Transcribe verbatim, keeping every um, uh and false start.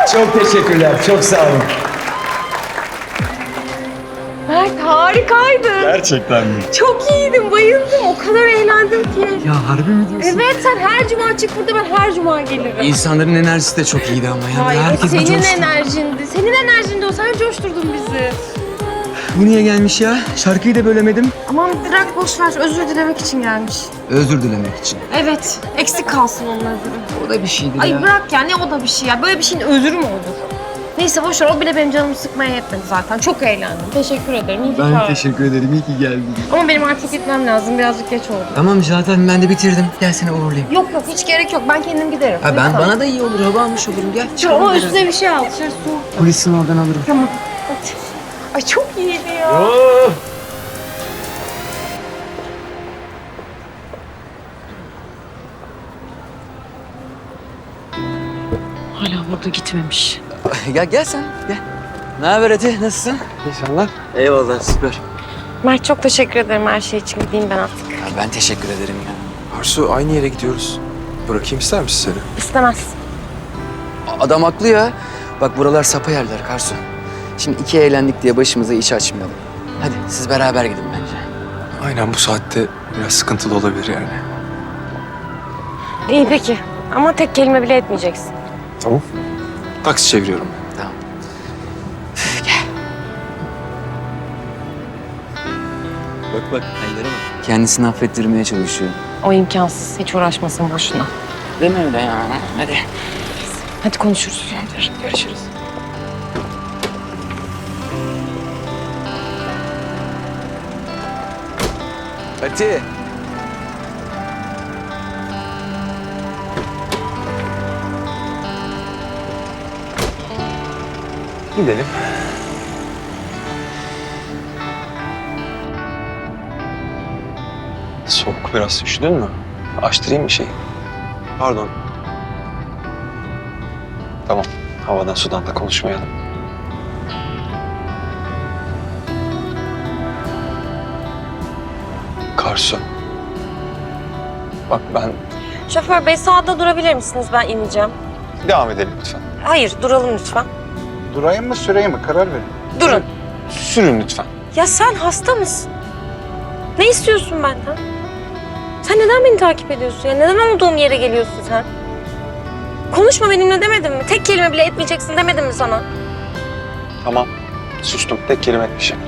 Çok teşekkürler, çok sağ olun. Mert harikaydın. Gerçekten mi? Çok iyiydin, bayıldım. O kadar eğlendim ki. Ya harbi mi diyorsun? Evet, sen her cuma çık burada, ben her cuma gelirim. İnsanların enerjisi de çok iyiydi ama ya. Hayır, Herkes bir senin coştu. enerjindi. Senin enerjindi o, sen coşturdun bizi. Bu niye gelmiş ya? Şarkıyı da bölemedim. Aman bırak, boş ver. Özür dilemek için gelmiş. Özür dilemek için. Evet, eksik kalsın onun özürü. O da bir şeydi Ay ya. bırak ya, ne o da bir şey ya. Böyle bir şeyin özürü mü olur? Neyse boş ver, o bile benim canımı sıkmaya yetmedi zaten. Çok eğlendim. Teşekkür ederim. İyi ki Ben çağırdın. teşekkür ederim. İyi ki geldin. Ama benim artık gitmem lazım. Birazcık geç oldu. Tamam zaten ben de bitirdim. Gel seni uğurlayayım. Yok yok, hiç gerek yok. Ben kendim giderim. Ha ben Lütfen. bana da iyi olur. Hava almış olurum. Gel. Dur, çıkalım ama biraz. üstüne bir şey al. Dışarı soğuk. Polisin oradan alırım. Tamam. Hadi. Ay çok iyiydi ya. Oh! Hala burada gitmemiş. Gel gel sen. Gel. Ne haber Ete? Nasılsın? İnşallah. Eyvallah süper. Mert çok teşekkür ederim her şey için. Gideyim ben artık. Ya ben teşekkür ederim ya. Arsu aynı yere gidiyoruz. Bırakayım ister misin seni? İstemez. Adam haklı ya. Bak buralar sapa yerler Karsu. Şimdi iki eğlendik diye başımıza iş açmayalım. Hadi siz beraber gidin bence. Aynen bu saatte biraz sıkıntılı olabilir yani. İyi peki. Ama tek kelime bile etmeyeceksin. Tamam. Taksi çeviriyorum. Tamam. Bak bak ellere bak. Kendisini affettirmeye çalışıyor. O imkansız. Hiç uğraşmasın boşuna. Deme öyle ya. Hadi. Hadi konuşuruz. Görüşürüz. Hadi. Gidelim. Soğuk biraz. Üşüdün mü? Açtırayım bir şey. Pardon. Tamam. Havadan sudan da konuşmayalım. Karsu. Bak ben... Şoför bey sağda durabilir misiniz? Ben ineceğim. Devam edelim lütfen. Hayır, duralım lütfen. Durayım mı süreyim mi? Karar verin. Durun. Sürün lütfen. Ya sen hasta mısın? Ne istiyorsun benden? Sen neden beni takip ediyorsun ya? Neden olduğum yere geliyorsun sen? Konuşma benimle demedim mi? Tek kelime bile etmeyeceksin demedim mi sana? Tamam. Sustum. Tek kelime etmişim.